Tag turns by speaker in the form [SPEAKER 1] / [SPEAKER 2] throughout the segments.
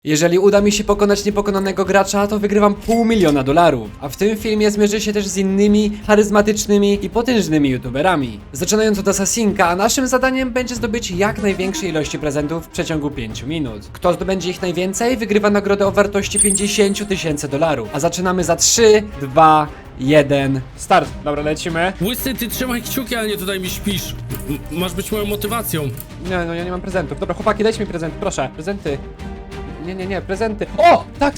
[SPEAKER 1] Jeżeli uda mi się pokonać niepokonanego gracza, to wygrywam $500 000, a w tym filmie zmierzę się też z innymi charyzmatycznymi i potężnymi youtuberami. Zaczynając od Assassinka, a naszym zadaniem będzie zdobyć jak największej ilości prezentów w przeciągu 5 minut. Kto zdobędzie ich najwięcej, wygrywa nagrodę o wartości $50 000, a zaczynamy za 3, 2, 1, start. Dobra, lecimy.
[SPEAKER 2] Łysy, ty trzymaj kciuki, a nie tutaj mi śpisz. Masz być moją motywacją.
[SPEAKER 1] Nie, no ja nie mam prezentów. Dobra, chłopaki, dajcie mi prezent, proszę. Prezenty. Nie, prezenty. O! Tak.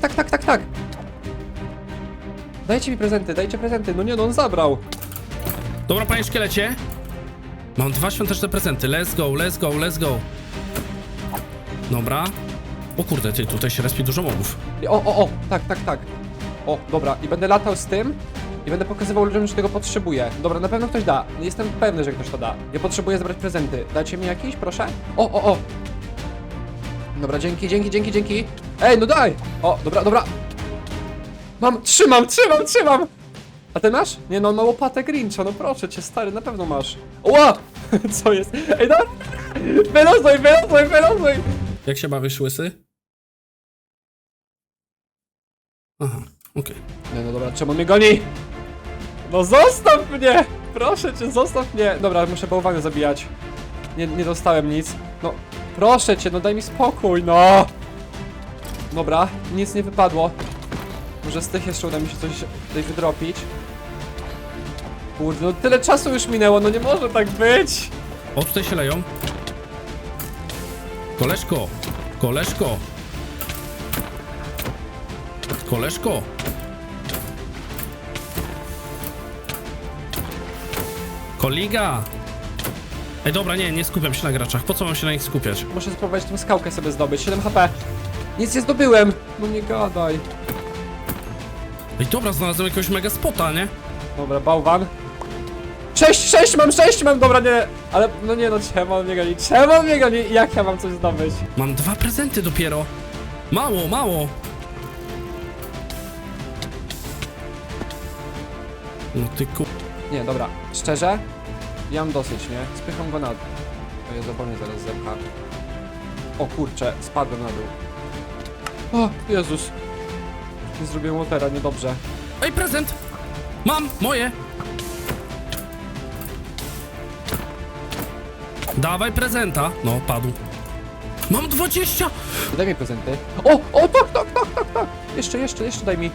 [SPEAKER 1] Dajcie mi prezenty, dajcie prezenty. No nie, no on zabrał.
[SPEAKER 2] Dobra, panie szkielecie. Mam 2 świąteczne prezenty. Let's go. Dobra. O kurde, ty, tutaj się respi dużo mobów.
[SPEAKER 1] Tak. O, dobra, i będę latał z tym i będę pokazywał ludziom, że tego potrzebuję. Dobra, na pewno ktoś da. Jestem pewny, że ktoś to da. Ja potrzebuję zebrać prezenty. Dacie mi jakiś, proszę? O. Dobra, dzięki. Ej, no daj! O, dobra. Trzymam! A ty masz? Nie no, on ma łopatę Grincha, no proszę cię, stary, na pewno masz. Ła! Co jest? Ej, dobra! Wylozuj!
[SPEAKER 2] Jak się bawisz, łysy? Aha, okej.
[SPEAKER 1] Nie no dobra, czemu mnie goni? No zostaw mnie! Proszę cię, zostaw mnie! Dobra, muszę bałwany zabijać. Nie dostałem nic. No, proszę cię, no daj mi spokój, no! Dobra, nic nie wypadło. Może z tych jeszcze uda mi się coś tutaj wydropić. Kurde, no tyle czasu już minęło, no nie może tak być!
[SPEAKER 2] O, tutaj się leją. Koleżko. Koliga. Ej, dobra, nie skupiam się na graczach. Po co mam się na nich skupiać?
[SPEAKER 1] Muszę spróbować tą skałkę sobie zdobyć, 7 HP. Nic nie zdobyłem! No nie gadaj.
[SPEAKER 2] Ej, dobra, znalazłem jakiegoś mega spota, nie?
[SPEAKER 1] Dobra, bałwan. 6 mam, dobra, nie. Ale, no nie no, czemu on mnie goni? Jak ja mam coś zdobyć?
[SPEAKER 2] Mam 2 prezenty dopiero. Mało. No ty ku...
[SPEAKER 1] Nie, dobra, szczerze, ja mam dosyć, nie? Spycham go na dół. To jest zapomnę zaraz zepcha. O kurczę, spadłem na dół. O, Jezus. Nie zrobiłem łotera, niedobrze.
[SPEAKER 2] Ej, prezent! Mam! Moje! Dawaj prezenta! No, padł. Mam 20!
[SPEAKER 1] Daj mi prezenty. O, tak. Jeszcze daj mi.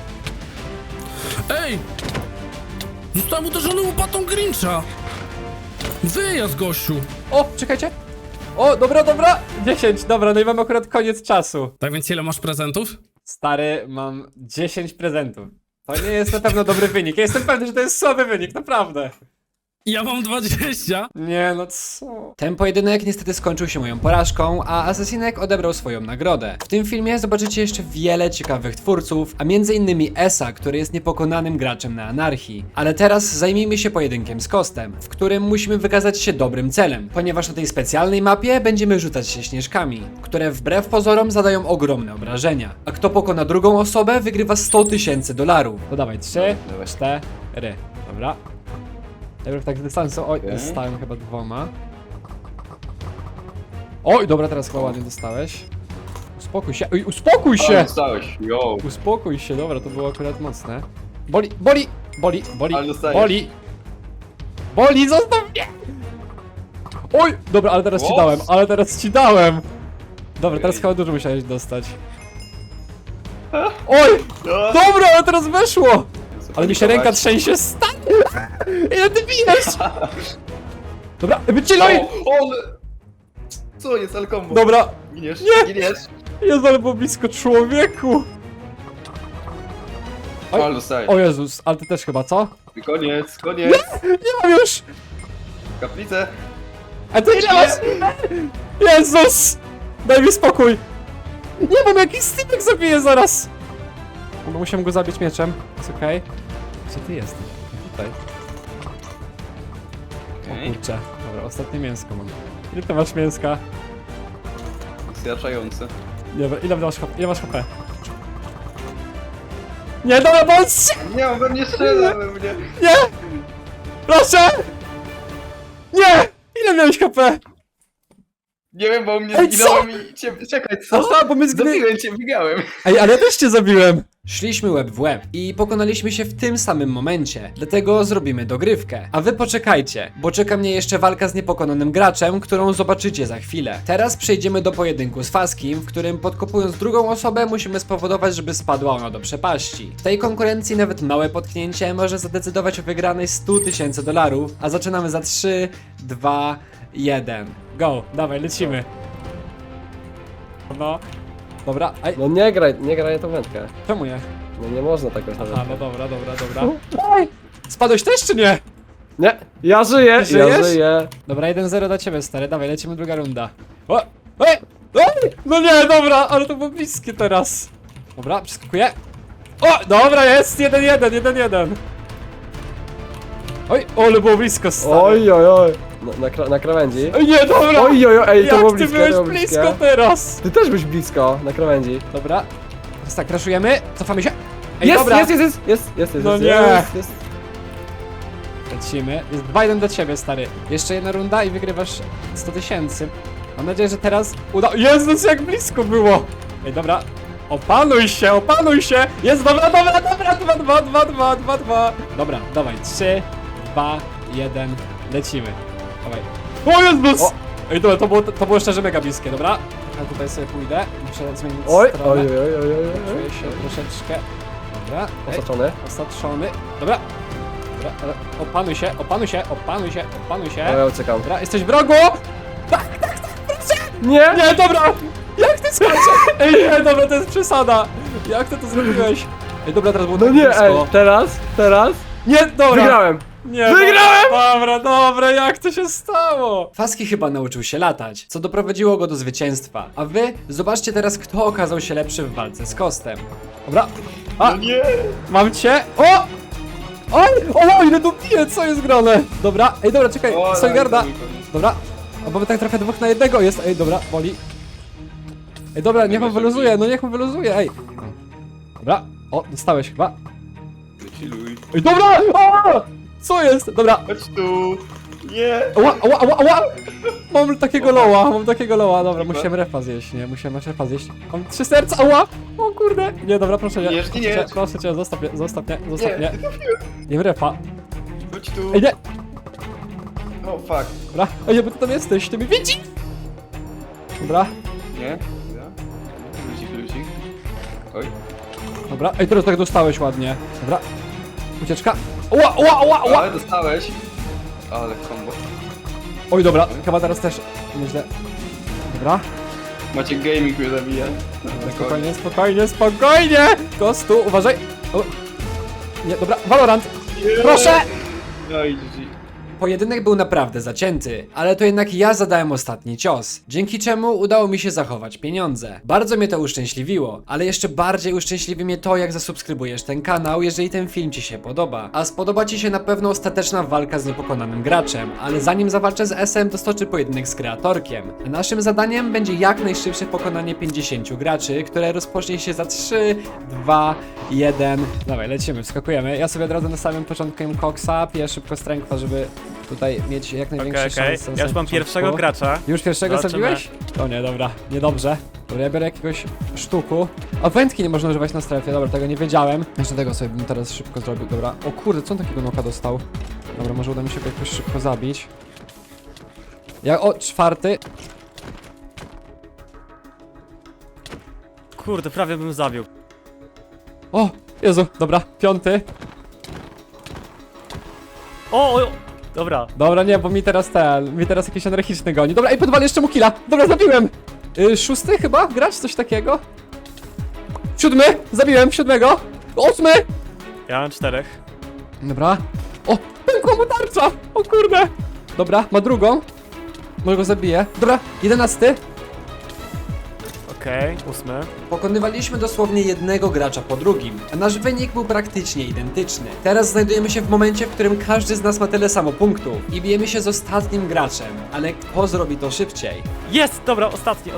[SPEAKER 2] Ej! Zostałem uderzony łopatą Grincha! Wyjazd, gościu!
[SPEAKER 1] O, czekajcie. O, dobra. 10, dobra, no i mam akurat koniec czasu.
[SPEAKER 2] Tak więc ile masz prezentów?
[SPEAKER 1] Stary, mam 10 prezentów. To nie jest na pewno dobry wynik. Ja jestem pewny, że to jest słaby wynik, naprawdę.
[SPEAKER 2] Ja mam 20!
[SPEAKER 1] Nie, no co? Ten pojedynek niestety skończył się moją porażką, a Assassinek odebrał swoją nagrodę. W tym filmie zobaczycie jeszcze wiele ciekawych twórców, a m.in. Esa, który jest niepokonanym graczem na anarchii. Ale teraz zajmijmy się pojedynkiem z Kostem, w którym musimy wykazać się dobrym celem, ponieważ na tej specjalnej mapie będziemy rzucać się śnieżkami, które wbrew pozorom zadają ogromne obrażenia. A kto pokona drugą osobę, wygrywa $100 000. To dawaj, 3, 4, dobra. Najpierw tak z dystansu, oj, dostałem chyba 2. Oj, dobra, teraz chyba ładnie dostałeś. Uspokój się, oj, uspokój się!
[SPEAKER 3] Dostałeś, yo.
[SPEAKER 1] Uspokój się, dobra, to było akurat mocne. Boli,
[SPEAKER 3] Ale dostajesz.
[SPEAKER 1] boli, zostaw mnie! Oj, dobra, ale teraz ci dałem, Dobra, teraz chyba dużo musiałeś dostać. Oj, dobra, ale teraz weszło! Ale mi się ręka trzęsie, stary! Ile ty bijesz? Dobra, wycieluj!
[SPEAKER 3] Co jest, ale kombo?
[SPEAKER 1] Dobra,
[SPEAKER 3] Giniesz?
[SPEAKER 1] Nie!
[SPEAKER 3] Giniesz?
[SPEAKER 1] jest ale było blisko człowieku! Oj.
[SPEAKER 3] Ale dostajesz.
[SPEAKER 1] O Jezus, ale ty też chyba, co?
[SPEAKER 3] Koniec.
[SPEAKER 1] Nie mam już!
[SPEAKER 3] Kaplicę.
[SPEAKER 1] A ty ile masz? Jezus! Daj mi spokój! Nie mam jakiś stypek zabiję zaraz! Bo musiałem go zabić mieczem, jest okej. Gdzie ty jesteś? Tutaj. O kurczę, dobra, ostatnie mięsko mam. Ile ty masz mięska?
[SPEAKER 3] Zjaczający.
[SPEAKER 1] Dobra, ile masz HP? Nie, dobra, bądź!
[SPEAKER 3] Nie, on we mnie strzela, we mnie.
[SPEAKER 1] Nie! Proszę! Nie! Ile miałeś HP?
[SPEAKER 3] Nie wiem, bo u mnie
[SPEAKER 1] Ej,
[SPEAKER 3] zginąłem i cię... Czekaj, co?
[SPEAKER 1] Aha, bo my
[SPEAKER 3] Zabiłem cię, biegałem.
[SPEAKER 1] Ej, ale ja też cię zabiłem! Szliśmy łeb w łeb i pokonaliśmy się w tym samym momencie, dlatego zrobimy dogrywkę. A wy poczekajcie, bo czeka mnie jeszcze walka z niepokonanym graczem, którą zobaczycie za chwilę. Teraz przejdziemy do pojedynku z Faskim, w którym podkopując drugą osobę musimy spowodować, żeby spadła ona do przepaści. W tej konkurencji nawet małe potknięcie może zadecydować o wygranej $100,000, a zaczynamy za 3, 2, 1. Go, dawaj, lecimy. No, dobra, aj,
[SPEAKER 4] No nie graj tą wędkę.
[SPEAKER 1] czemu nie?
[SPEAKER 4] No nie można tak robić.
[SPEAKER 1] Aha, no dobra. Oj! Spadłeś też czy nie?
[SPEAKER 4] Nie, ja żyję,
[SPEAKER 1] Żyjesz?
[SPEAKER 4] ja żyję.
[SPEAKER 1] Dobra, 1-0 dla ciebie, stary, dawaj, lecimy druga runda. O! Oj! Oj! No nie, dobra, ale to było bliskie teraz. Dobra, przeskakuję. O! Dobra, jest! 1-1. Oj, ale było blisko, stary.
[SPEAKER 4] Oj, oj, oj. Na krawędzi.
[SPEAKER 1] Oj, nie, dobra!
[SPEAKER 4] Oj, oj, oj, ej, to
[SPEAKER 1] Jak
[SPEAKER 4] było
[SPEAKER 1] ty
[SPEAKER 4] blisko,
[SPEAKER 1] byłeś
[SPEAKER 4] to było
[SPEAKER 1] blisko
[SPEAKER 4] bliskie.
[SPEAKER 1] teraz!
[SPEAKER 4] Ty też byś blisko, na krawędzi.
[SPEAKER 1] Dobra. Teraz tak, crashujemy, cofamy się. Ej,
[SPEAKER 4] Jest,
[SPEAKER 1] dobra!
[SPEAKER 4] jest.
[SPEAKER 1] No nie.
[SPEAKER 4] Jest.
[SPEAKER 1] Lecimy. Jest 2-1 do ciebie, stary. Jeszcze jedna runda i wygrywasz 100,000. Mam nadzieję, że teraz uda... Jezus, jak blisko było! Ej, dobra. Opanuj się! Jest, dobra, 2. Dobra, dawaj, 3, 2, 1, lecimy. Dawaj. O Jezus!
[SPEAKER 4] O.
[SPEAKER 1] Ej, dobra, to było szczerze mega bliskie, dobra? Ja tutaj sobie pójdę, muszę zmienić
[SPEAKER 4] Oj,
[SPEAKER 1] stronę.
[SPEAKER 4] oj.
[SPEAKER 1] Czuję się troszeczkę... Dobra, ej, osaczony. Dobra, ale opanuj się.
[SPEAKER 4] Ja uciekam.
[SPEAKER 1] Dobra, jesteś w rogu!
[SPEAKER 4] Nie!
[SPEAKER 1] Nie, dobra! Jak ty skoczysz? Ej, nie, dobra, to jest przesada! Jak ty to zrobiłeś? Ej, dobra, teraz było
[SPEAKER 4] No
[SPEAKER 1] tak
[SPEAKER 4] nie,
[SPEAKER 1] blisko.
[SPEAKER 4] ej, teraz.
[SPEAKER 1] Nie, dobra!
[SPEAKER 4] Wygrałem!
[SPEAKER 1] Nie,
[SPEAKER 4] Wygrałem!
[SPEAKER 1] Dobra, jak to się stało? Faski chyba nauczył się latać, co doprowadziło go do zwycięstwa. A wy zobaczcie teraz, kto okazał się lepszy w walce z Kostem. Dobra. A,
[SPEAKER 3] No nie!
[SPEAKER 1] mam cię! O! Oj! O, ile tu bije, co jest grane? Dobra, ej, dobra, czekaj,
[SPEAKER 3] O,
[SPEAKER 1] Sojgarda.
[SPEAKER 3] daj,
[SPEAKER 1] Dobra, a bo my tak trochę 2 na 1 jest, ej, dobra, boli. Ej, dobra, niech on wyluzuje, no niech on wyluzuje, ej. Dobra, o, dostałeś chyba.
[SPEAKER 3] Wychilluj.
[SPEAKER 1] Ej, dobra! O! Co jest? Dobra,
[SPEAKER 3] Chodź tu! Nie!
[SPEAKER 1] ała! Mam takiego loła, dobra, musiałem refa zjeść, nie, musiałem refa zjeść. Mam 3 serca, ała! O kurde! Nie, dobra, proszę nie.
[SPEAKER 3] Nie.
[SPEAKER 1] Proszę cię, zostaw mnie.
[SPEAKER 3] Nie,
[SPEAKER 1] Nie refa.
[SPEAKER 3] chodź tu!
[SPEAKER 1] Ej, nie!
[SPEAKER 3] O, fuck.
[SPEAKER 1] Dobra, ej, bo ty tam jesteś, ty mnie widzi! Dobra,
[SPEAKER 3] Nie? Luzik. Oj.
[SPEAKER 1] dobra, ej, teraz tak dostałeś ładnie. Dobra, ucieczka. Ła!
[SPEAKER 3] Ale dostałeś. Ale combo.
[SPEAKER 1] Oj, dobra, chyba teraz też nieźle. Dobra,
[SPEAKER 3] Macie gaming mnie zabija.
[SPEAKER 1] spokojnie! Kostu, uważaj! O. Nie, dobra, Valorant! Proszę!
[SPEAKER 3] No i GG.
[SPEAKER 1] Pojedynek był naprawdę zacięty, ale to jednak ja zadałem ostatni cios, dzięki czemu udało mi się zachować pieniądze. Bardzo mnie to uszczęśliwiło, ale jeszcze bardziej uszczęśliwi mnie to, jak zasubskrybujesz ten kanał, jeżeli ten film Ci się podoba. A spodoba Ci się na pewno ostateczna walka z niepokonanym graczem, ale zanim zawalczę z SM, to stoczy pojedynek z kreatorkiem. A naszym zadaniem będzie jak najszybsze pokonanie 50 graczy, które rozpocznie się za 3, 2, 1. Dawaj, lecimy, wskakujemy. Ja sobie od razu na samym początku jem koksa, piję szybko strengtha, żeby tutaj mieć jak największe
[SPEAKER 5] Okej.
[SPEAKER 1] szanse.
[SPEAKER 5] Ja już mam pierwszego gracza.
[SPEAKER 1] Już pierwszego
[SPEAKER 5] Zobaczymy.
[SPEAKER 1] zabiłeś? O nie, dobra, niedobrze. Dobra, ja biorę jakiegoś sztuku. A wędki nie można używać na strefie, dobra, tego nie wiedziałem. Jeszcze tego sobie bym teraz szybko zrobił, dobra. O kurde, co on takiego noka dostał? Dobra, może uda mi się go jakoś szybko zabić. O, 4.
[SPEAKER 5] Kurde, prawie bym zabił.
[SPEAKER 1] O, Jezu, dobra, 5.
[SPEAKER 5] O! Dobra.
[SPEAKER 1] Dobra, nie, bo mi teraz jakiś anarchiczny goni. Dobra, i podwalę jeszcze mu killa. Dobra, zabiłem. 6 chyba? Grać coś takiego? 7, zabiłem 7. 8.
[SPEAKER 5] Ja mam 4.
[SPEAKER 1] Dobra. O, pękła mu tarcza! O kurde! Dobra, ma drugą. Może go zabiję. Dobra, 11.
[SPEAKER 5] Okej, 8.
[SPEAKER 1] Pokonywaliśmy dosłownie jednego gracza po drugim, a nasz wynik był praktycznie identyczny. Teraz znajdujemy się w momencie, w którym każdy z nas ma tyle samo punktów i bijemy się z ostatnim graczem, ale kto zrobi to szybciej?
[SPEAKER 5] Jest! Dobra, ostatni.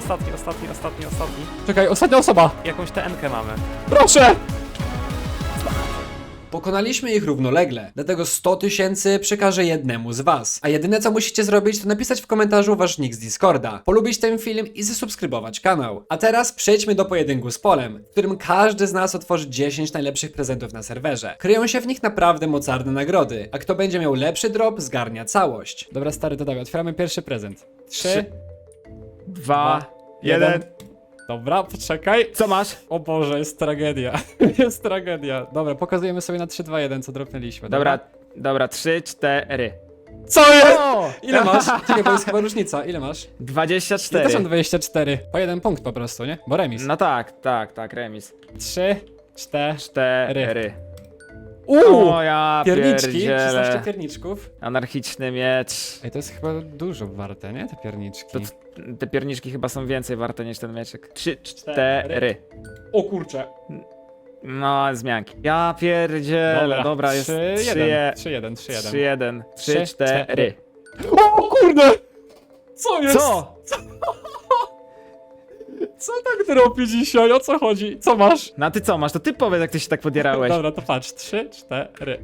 [SPEAKER 1] Czekaj, ostatnia osoba!
[SPEAKER 5] Jakąś TN-kę mamy.
[SPEAKER 1] Proszę! Pokonaliśmy ich równolegle, dlatego 100 000 przekażę jednemu z was. A jedyne co musicie zrobić, to napisać w komentarzu wasz nick z Discorda, polubić ten film i zasubskrybować kanał. A teraz przejdźmy do pojedynku z Polem, w którym każdy z nas otworzy 10 najlepszych prezentów na serwerze. Kryją się w nich naprawdę mocarne nagrody, a kto będzie miał lepszy drop, zgarnia całość. Dobra stary, to dawaj, otwieramy pierwszy prezent. 3,
[SPEAKER 6] 2, 1.
[SPEAKER 1] Dobra, poczekaj.
[SPEAKER 6] Co masz?
[SPEAKER 1] O Boże, jest tragedia. Jest tragedia. Dobra, pokazujemy sobie na 3, 2, 1, co dropnęliśmy.
[SPEAKER 6] Dobra, 3, 4.
[SPEAKER 1] Co jest?
[SPEAKER 6] O!
[SPEAKER 1] Ile masz? Czekaj, bo jest chyba różnica. Ile masz? Ja
[SPEAKER 6] 24.
[SPEAKER 1] też mam 24. Po jeden punkt po prostu, nie? Bo remis.
[SPEAKER 6] No tak, remis.
[SPEAKER 1] 3, 4.
[SPEAKER 6] 4.
[SPEAKER 1] Uuu!
[SPEAKER 6] O ja
[SPEAKER 1] Pierniczki, 16
[SPEAKER 6] pierdzielę.
[SPEAKER 1] pierniczków.
[SPEAKER 6] Anarchiczny miecz.
[SPEAKER 1] Ej, to jest chyba dużo warte, nie? Te pierniczki.
[SPEAKER 6] To, te pierniczki chyba są więcej warte niż ten mieczek. 3, 4.
[SPEAKER 1] O kurczę.
[SPEAKER 6] No, zmianki. Ja pierdzielę. Dobra, jest
[SPEAKER 1] 3, 1.
[SPEAKER 6] 3, 1. 3, 4.
[SPEAKER 1] O kurde! Co jest?
[SPEAKER 6] Co?
[SPEAKER 1] Co tak dropi dzisiaj? O co chodzi? Co masz?
[SPEAKER 6] No a ty co masz? To ty powiedz, jak ty się tak podjarałeś.
[SPEAKER 1] Dobra, to patrz. 3, 4.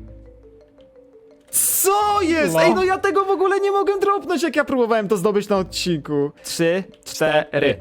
[SPEAKER 6] Co jest?
[SPEAKER 1] No.
[SPEAKER 6] Ej, no ja tego w ogóle nie mogłem dropnąć, jak ja próbowałem to zdobyć na odcinku. 3, 4.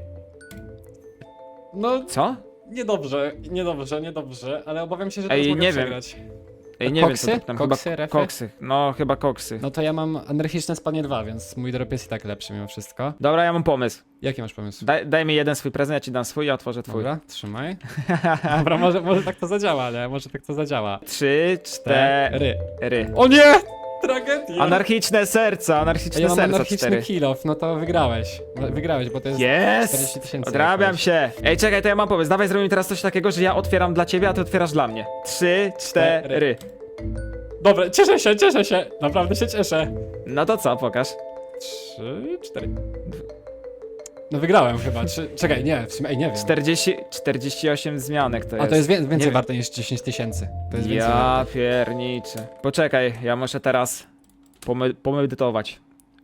[SPEAKER 1] No,
[SPEAKER 6] Co?
[SPEAKER 1] niedobrze, ale obawiam się, że
[SPEAKER 6] Ej,
[SPEAKER 1] teraz mogę
[SPEAKER 6] nie wiem.
[SPEAKER 1] przegrać.
[SPEAKER 6] Ej, nie
[SPEAKER 1] Koksy?
[SPEAKER 6] wiem, co tam
[SPEAKER 1] Koksy,
[SPEAKER 6] chyba
[SPEAKER 1] refy?
[SPEAKER 6] koksy. No, chyba koksy.
[SPEAKER 1] No to ja mam anarchiczne spadnie 2, więc mój drop jest i tak lepszy mimo wszystko.
[SPEAKER 6] Dobra, ja mam pomysł.
[SPEAKER 1] Jaki masz pomysł?
[SPEAKER 6] Daj mi jeden swój prezent, ja ci dam swój, ja otworzę twój.
[SPEAKER 1] Dobra, trzymaj. Dobra, może tak to zadziała, nie? Może tak to zadziała.
[SPEAKER 6] 3, 4.
[SPEAKER 1] O nie! Tragedia!
[SPEAKER 6] Anarchiczne serca, anarchiczne
[SPEAKER 1] Ja mam
[SPEAKER 6] serca
[SPEAKER 1] anarchiczny
[SPEAKER 6] 4.
[SPEAKER 1] kill off, no to wygrałeś. Wygrałeś, bo to jest 40
[SPEAKER 6] Jest!
[SPEAKER 1] 000
[SPEAKER 6] Odrabiam
[SPEAKER 1] jakoś.
[SPEAKER 6] się. Ej, czekaj, to ja mam pomysł. Dawaj zrobimy teraz coś takiego, że ja otwieram dla ciebie, a ty otwierasz dla mnie. 3, 4.
[SPEAKER 1] Dobra, cieszę się, naprawdę się cieszę.
[SPEAKER 6] No to co, pokaż.
[SPEAKER 1] 3, 4. No wygrałem chyba. Czekaj, nie, w sumie, ej, nie wiem.
[SPEAKER 6] 48 zmianek to jest.
[SPEAKER 1] A to jest
[SPEAKER 6] Nie
[SPEAKER 1] więcej
[SPEAKER 6] wiem.
[SPEAKER 1] warte niż 10 000. To jest więcej
[SPEAKER 6] Ja
[SPEAKER 1] warte.
[SPEAKER 6] pierniczę. Poczekaj, ja muszę teraz pomedytować.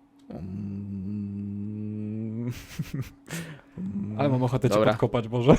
[SPEAKER 1] Ale mam ochotę cię
[SPEAKER 6] Dobra.
[SPEAKER 1] podkopać, Boże.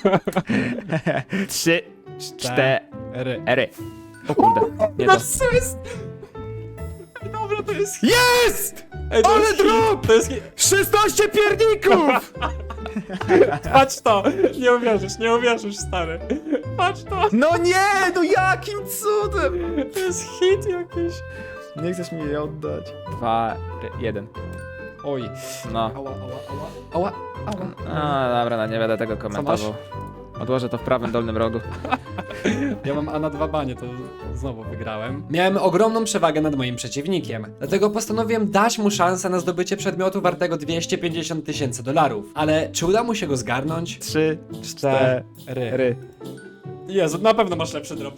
[SPEAKER 6] 3, 4.
[SPEAKER 1] Ery.
[SPEAKER 6] O kurde, nie to.
[SPEAKER 1] Co jest? Ej, dobra, to jest...
[SPEAKER 6] Jest!
[SPEAKER 1] Ej, to
[SPEAKER 6] Ale
[SPEAKER 1] jest
[SPEAKER 6] drop!
[SPEAKER 1] To jest...
[SPEAKER 6] 16 pierników!
[SPEAKER 1] Patrz to! Nie uwierzysz, stary. Patrz to!
[SPEAKER 6] No nie, no jakim cudem!
[SPEAKER 1] To jest hit jakiś.
[SPEAKER 6] Nie chcesz mi jej oddać. 2, 1.
[SPEAKER 1] Oj.
[SPEAKER 6] No.
[SPEAKER 1] Ała.
[SPEAKER 6] A, dobra, no nie będę tego komentował. Odłożę to w prawym dolnym rogu.
[SPEAKER 1] Ja mam A na 2 banie, to znowu wygrałem. Miałem ogromną przewagę nad moim przeciwnikiem, dlatego postanowiłem dać mu szansę na zdobycie przedmiotu wartego 250 000 dolarów. Ale czy uda mu się go zgarnąć?
[SPEAKER 6] 3, 4.
[SPEAKER 1] Jezu, na pewno masz lepszy drop,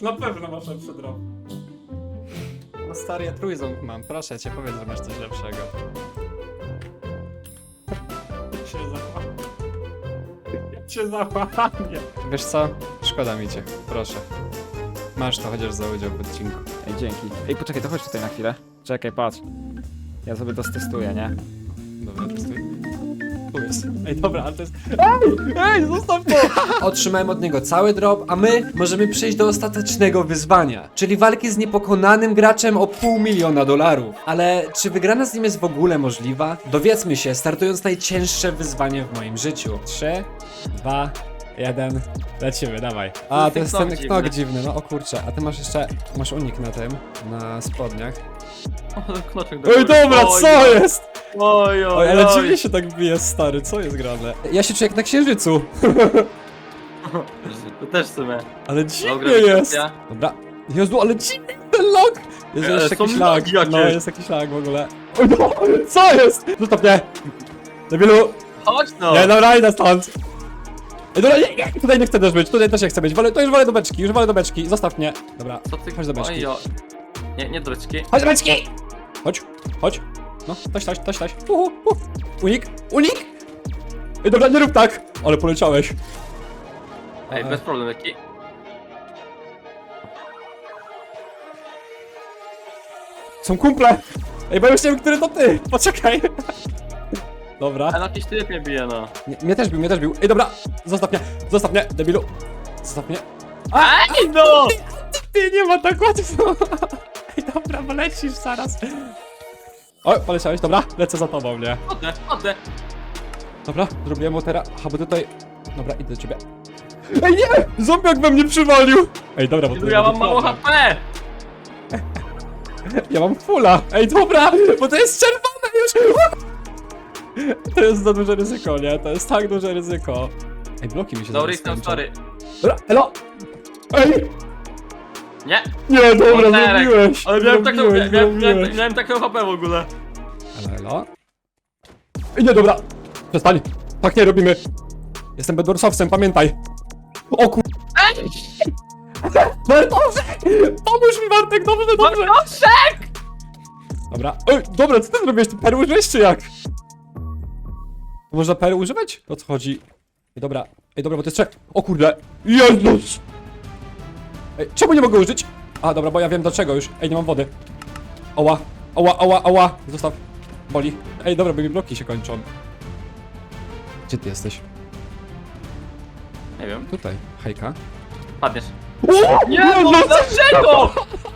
[SPEAKER 1] No stary, ja trójząb mam, proszę cię, powiedz, że masz coś lepszego. Cię załamie. Wiesz co? Szkoda mi cię, proszę. Masz to chociaż za udział w odcinku.
[SPEAKER 6] Ej, dzięki. Ej, poczekaj, to chodź tutaj na chwilę. Czekaj, patrz. Ja sobie to stestuję, nie?
[SPEAKER 1] Dobra, testuj. Tu jest. Ej, dobra, ale to jest... Ej, zostaw to! Otrzymałem od niego cały drop, a my możemy przejść do ostatecznego wyzwania, czyli walki z niepokonanym graczem o $500 000. Ale czy wygrana z nim jest w ogóle możliwa? Dowiedzmy się, startując najcięższe wyzwanie w moim życiu. 3, 2, 1, lecimy, dawaj. A, to jest ten knok dziwny, no o kurczę, a ty masz jeszcze, masz unik na tym, na spodniach. Oj, dobra, co jest?
[SPEAKER 3] Oj,
[SPEAKER 1] Oj, ale dziwnie się tak bije, stary, co jest grane? Ja się czuję jak na księżycu.
[SPEAKER 3] To też w sumie.
[SPEAKER 1] Ale dziwnie
[SPEAKER 3] Dobra,
[SPEAKER 1] jest.
[SPEAKER 3] grawitacja.
[SPEAKER 1] Dobra. Jezu, ale dziwny ten lag. Jest
[SPEAKER 3] Ale
[SPEAKER 1] jeszcze
[SPEAKER 3] są
[SPEAKER 1] jakiś lag.
[SPEAKER 3] lagi jakieś.
[SPEAKER 1] No, jest jakiś lag w ogóle. Oj, no, co jest? Zostaw mnie. Debilu.
[SPEAKER 3] Chodź no!
[SPEAKER 1] Nie, dobra, idę stąd. Ej, dobra, nie, tutaj nie chcę też być, tutaj też nie chcę być. To już wolę do beczki, zostaw mnie. Dobra,
[SPEAKER 3] Co ty?
[SPEAKER 1] chodź do beczki.
[SPEAKER 3] Oj, o. Nie do beczki.
[SPEAKER 1] Chodź do beczki. Chodź. No, toś. Unik. Ej, dobra, nie rób tak. Ale poleciałeś.
[SPEAKER 3] Ej, bez problemu, jaki?
[SPEAKER 1] Są kumple. Ej, bo ja już nie wiem, który to ty. Poczekaj. Dobra.
[SPEAKER 3] Ale jakiś typ mnie bije, no.
[SPEAKER 1] Mnie też bił. Ej, dobra, zostaw mnie, debilu. Zostaw mnie.
[SPEAKER 3] Ej, no!
[SPEAKER 1] Ty, nie ma tak łatwo. Ej, dobra, bo lecisz zaraz. O, poleciałeś, dobra, lecę za tobą, nie?
[SPEAKER 3] Chodzę.
[SPEAKER 1] Dobra, zrobiłem mu teraz. Aha, bo tutaj. Dobra, idę do ciebie. Ej, nie! Zombiak we mnie przywalił! Ej, dobra, bo to
[SPEAKER 3] Ja mam
[SPEAKER 1] będzie
[SPEAKER 3] mało
[SPEAKER 1] problem.
[SPEAKER 3] HP!
[SPEAKER 1] Ja mam fulla! Ej, dobra, bo to jest czerwone już! To jest za duże ryzyko, nie? To jest tak duże ryzyko. Ej, bloki mi się
[SPEAKER 3] Dobry,
[SPEAKER 1] zaraz
[SPEAKER 3] jestem
[SPEAKER 1] skończą.
[SPEAKER 3] sorry.
[SPEAKER 1] Dobra, elo! Ej!
[SPEAKER 3] Nie,
[SPEAKER 1] Nie, dobra,
[SPEAKER 3] Onerek.
[SPEAKER 1] zrobiłeś!
[SPEAKER 3] ale
[SPEAKER 1] Zrobiłeś.
[SPEAKER 3] miałem taką HP w ogóle.
[SPEAKER 1] Elo, elo? Ej, nie, dobra! Przestań! Tak nie robimy! Jestem Bedwarsowcem, pamiętaj! O kur... Bartoszek! Pomóż mi, Bartek, dobrze, dobrze!
[SPEAKER 3] Bartoszek!
[SPEAKER 1] Dobra. Ej, dobra, co ty zrobiłeś? Ty perły użyłeś, czy jak? Można perły używać? O co chodzi? Ej, dobra. Ej, dobra, bo to jest trzech. O kurde. Jezus! Ej, czemu nie mogę użyć? A, dobra, bo ja wiem dlaczego już. Ej, nie mam wody. Oła. Oła, oła, oła. Zostaw. Boli. Ej, dobra, bo mi bloki się kończą. Gdzie ty jesteś?
[SPEAKER 3] Nie wiem,
[SPEAKER 1] Tutaj. Hejka.
[SPEAKER 3] padniesz. Nie, no dlaczego?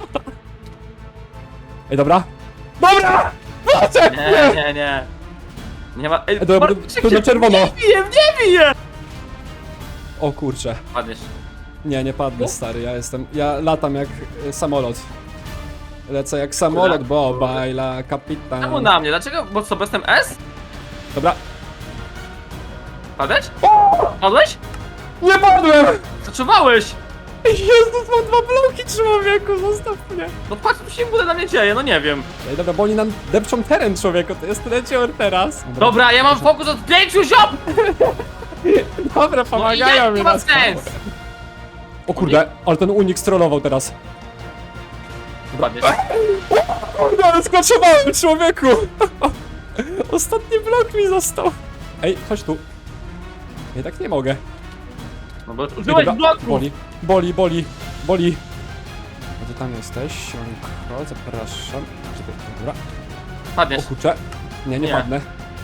[SPEAKER 1] Ej, dobra. Dobra! Wracaj!
[SPEAKER 3] Nie. Nie ma... Ej,
[SPEAKER 1] Ej, dobra,
[SPEAKER 3] Bartoszek
[SPEAKER 1] tu na
[SPEAKER 3] się
[SPEAKER 1] czerwono.
[SPEAKER 3] nie bije!
[SPEAKER 1] O kurcze.
[SPEAKER 3] Padniesz.
[SPEAKER 1] Nie padnę, stary, ja latam jak samolot. Lecę jak samolot, bo bajla kapitan.
[SPEAKER 3] Czemu na mnie? Dlaczego? Bo co, jestem S?
[SPEAKER 1] Dobra.
[SPEAKER 3] Padłeś? Padłeś?
[SPEAKER 1] Nie padłem!
[SPEAKER 3] Zaczynałeś!
[SPEAKER 1] Jezus, mam 2 bloki, człowieku, zostaw mnie.
[SPEAKER 3] No patrz, co się w ogóle na mnie dzieje, no nie wiem.
[SPEAKER 1] Ej, dobra, bo oni nam depczą teren, człowieku, to jest lecior teraz.
[SPEAKER 3] Dobra, ja mam fokus od 5 ziom!
[SPEAKER 1] Dobra,
[SPEAKER 3] No i
[SPEAKER 1] pomagają
[SPEAKER 3] jak
[SPEAKER 1] mi
[SPEAKER 3] to ma
[SPEAKER 1] nas.
[SPEAKER 3] sens?
[SPEAKER 1] O kurde, ale ten unik strollował teraz.
[SPEAKER 3] Padniesz.
[SPEAKER 1] Kurde, ale sklaczowałem, człowieku! Ostatni blok mi został. Ej, chodź tu. Ja tak nie mogę.
[SPEAKER 3] No bo
[SPEAKER 1] Ej,
[SPEAKER 3] użyłeś
[SPEAKER 1] dobra,
[SPEAKER 3] bloku!
[SPEAKER 1] Boli. A ty tam jesteś, Siemanko, zapraszam. Czekaj, dobra. O
[SPEAKER 3] Padniesz.
[SPEAKER 1] kurczę. Nie
[SPEAKER 3] Nie.
[SPEAKER 1] padnę.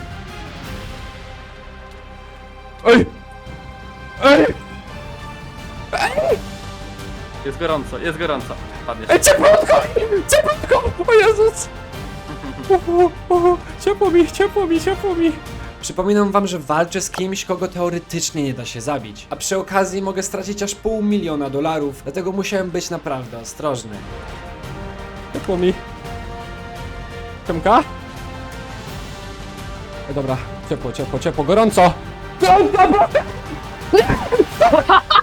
[SPEAKER 1] Ej!
[SPEAKER 3] Jest gorąco. Padniesz.
[SPEAKER 1] Ej, cieplutko! O Jezus! Ciepło mi. Przypominam wam, że walczę z kimś, kogo teoretycznie nie da się zabić. A przy okazji mogę stracić aż $500 000, dlatego musiałem być naprawdę ostrożny. Ciepło mi. Ciemka? Dobra, ciepło, gorąco! Gorąco!